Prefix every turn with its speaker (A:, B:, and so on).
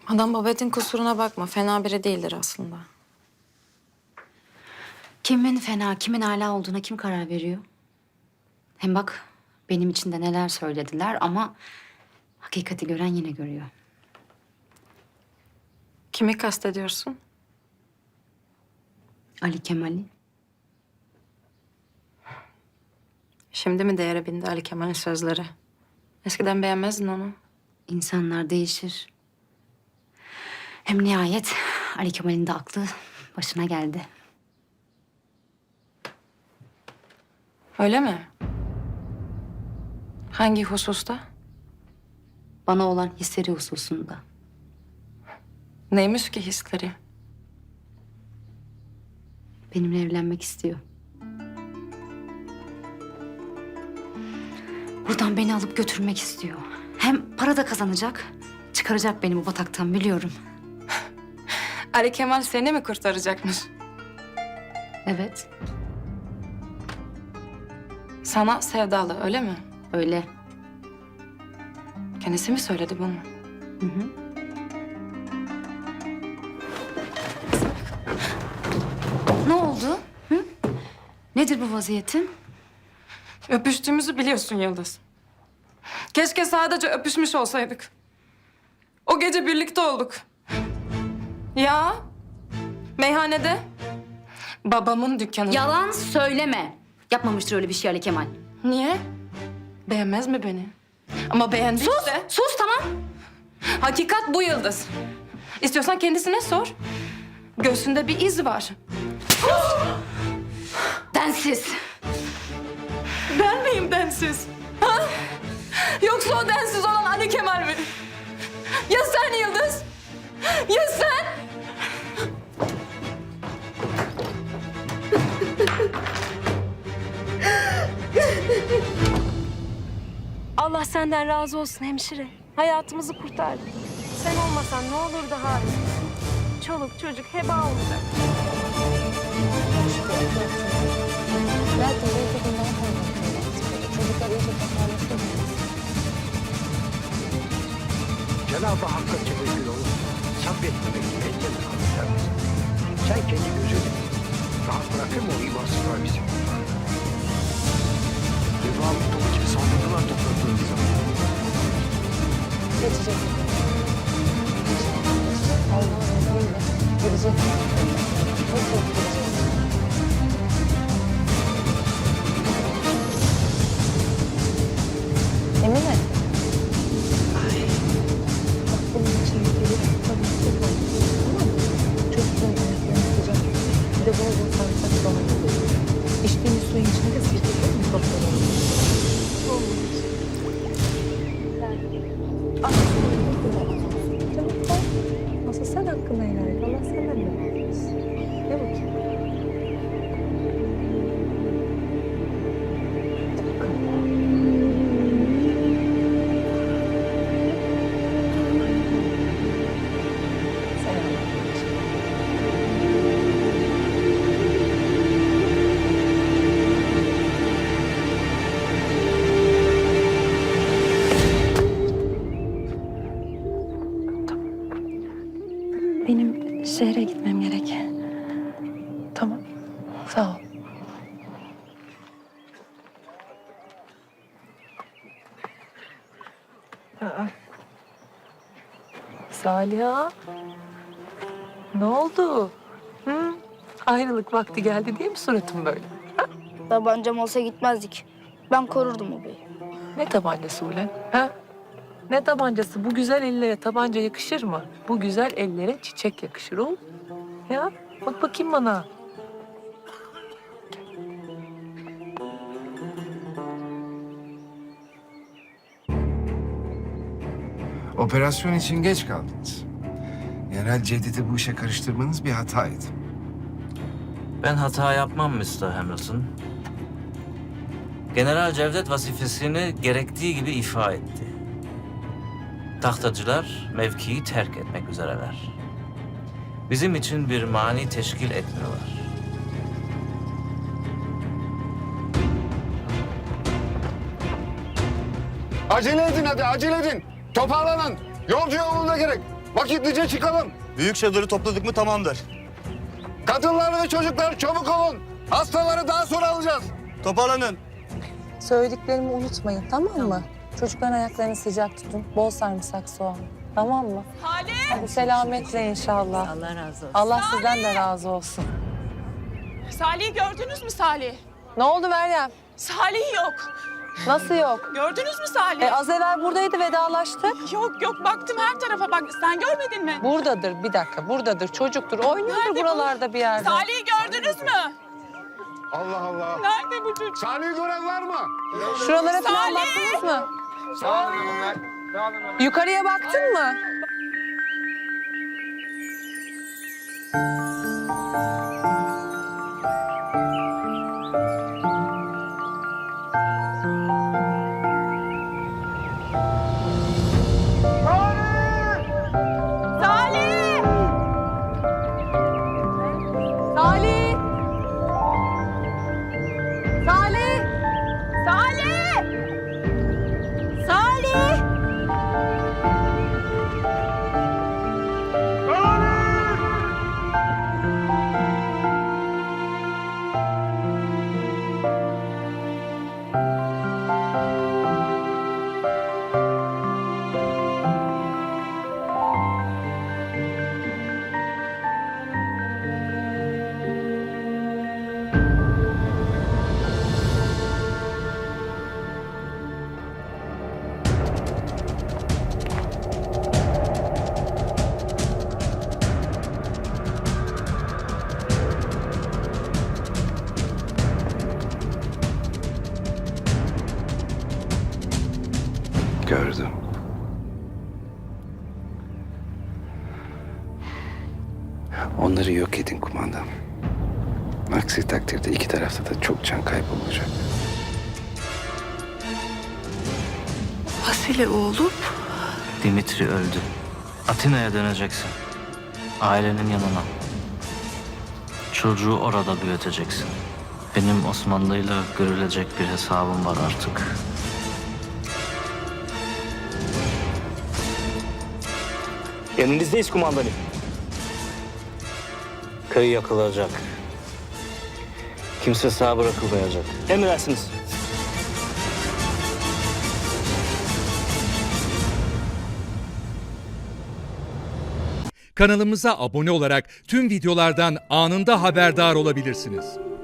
A: Adam Babet'in kusuruna bakma. Fena biri değildir aslında.
B: Kimin fena, kimin âlâ olduğuna kim karar veriyor? Hem bak benim için de neler söylediler ama hakikati gören yine görüyor.
A: Kimi kastediyorsun?
B: Ali Kemal'i.
A: Şimdi mi değere bindi Ali Kemal'in sözleri? Eskiden beğenmezdin onu.
B: İnsanlar değişir. Hem nihayet Ali Kemal'in de aklı başına geldi.
A: Öyle mi? Hangi hususta?
B: Bana olan hisleri hususunda.
A: Neymiş ki hisleri?
B: Benimle evlenmek istiyor. Buradan beni alıp götürmek istiyor. Hem para da kazanacak. Çıkaracak beni bu bataktan biliyorum.
A: Ali Kemal seni mi kurtaracakmış?
B: Evet,
A: Sana sevdalı öyle mi?
B: öyle.
A: Kendisi mi söyledi bunu?
B: Hı hı. Ne oldu? Hı? Nedir bu vaziyetin?
A: Öpüştüğümüzü biliyorsun Yıldız. Keşke sadece öpüşmüş olsaydık. O gece birlikte olduk. Ya, meyhanede. Babamın dükkanında.
B: Yalan söyleme. Yapmamıştır öyle bir şey Ali Kemal.
A: Niye? Beğenmez mi beni? Ama beğendiyse...
B: Sus tamam.
A: Hakikat bu Yıldız. İstiyorsan kendisine sor. Göğsünde bir iz var.
B: Densiz.
A: Ben miyim densiz? Ha? Yoksa o densiz olan Ali Kemal mi? Ya sen Yıldız? Ya sen?
C: Allah senden razı olsun hemşire. Hayatımızı kurtardın. Sen olmasan ne olurdu Halis? Çoluk çocuk heba olacak.
D: Cenab-ı Hakk'a tevekkül olup sabretmemek elden alır. Sen kendi gözünü rahat bırakır mı o imansızlar bizi? Devamlı topu gibi saldırdılar topraklarımıza.
E: Geçecek. Allah'ın izniyle gidecek. Nasıl gidecek? Emine. Bak bunun için bir tabii ki bu. Tamam mı? Çocuğun ayaklarını sıcak. Bir de bol bol sarımsak domates koy. İçtiğimiz suyun içine de sirke koy, mikroplar olur. Olmamış. Çabuk koy. Nasıl sen hakkını helal et. Allah senden de razı olsun. Ne bakayım? Hadi bakalım. Sen benim şehre gitmem gerek. Tamam. Sağ ol. Saliha. Ne oldu? Hı? Ayrılık vakti geldi diye mi suratın böyle?
F: Tabancam olsa gitmezdik. Ben korurdum o beyi.
E: Ne tabancası ulan? Ha? Ne tabancası? Bu güzel ellere tabanca yakışır mı? Bu güzel ellere çiçek yakışır oğlum. Ya bak bakayım bana.
G: Operasyon için geç kaldınız. General Cevdet'i bu işe karıştırmanız bir hataydı.
H: Ben hata yapmam Mr. Hamilton. General Cevdet vazifesini gerektiği gibi ifa etti. Tahtacılar mevkiyi terk etmek üzereler. Bizim için bir mani teşkil etmiyorlar.
I: Acele edin hadi, acele edin. Toparlanın. Yolcu yolunda gerek.
G: Vakitlice çıkalım.
I: Büyük çadırı topladık mı tamamdır.
G: Kadınlar ve çocuklar çabuk olun. Hastaları daha sonra alacağız.
I: Toparlanın.
E: Söylediklerimi unutmayın, tamam mı? Çocukların ayaklarını sıcak tutun. Bol sarımsak soğan. Tamam mı?
A: Salih!
E: Bu selametle inşallah. Allah razı olsun. Allah sizden de razı olsun.
A: Salih'i gördünüz mü Salih?
E: Ne oldu Meryem?
A: Salih yok.
E: Nasıl yok?
A: Gördünüz mü Salih?
E: Az evvel buradaydı, vedalaştık.
A: Yok baktım her tarafa bak. Sen görmedin mi?
E: Buradadır, bir dakika. Buradadır, çocuktur. Oynuyordur
A: Nerede bu?
E: buralarda bir yerde.
A: Salih'i gördünüz mü?
G: Allah Allah.
A: Nerede bu çocuk?
G: Salih'i gören var mı?
E: Şuralara falan
A: Salih!
E: baktınız mı? Yukarıya baktın mı?
A: Salih! Salih! Salih! Salih! Salih!
G: Gördüm. Onları yok edin kumandan. Aksi takdirde iki tarafta da çok can kaybı olacak.
A: Vasile oğlum.
H: Dimitri öldü. Atina'ya döneceksin. Ailenin yanına. Çocuğu orada büyüteceksin. Benim Osmanlı'yla görülecek bir hesabım var artık.
I: Yanınızdayız kumandanım.
H: Köy yakılacak. Kimse sağ bırakılmayacak.
I: Emredersiniz.
J: Kanalımıza abone olarak tüm videolardan anında haberdar olabilirsiniz.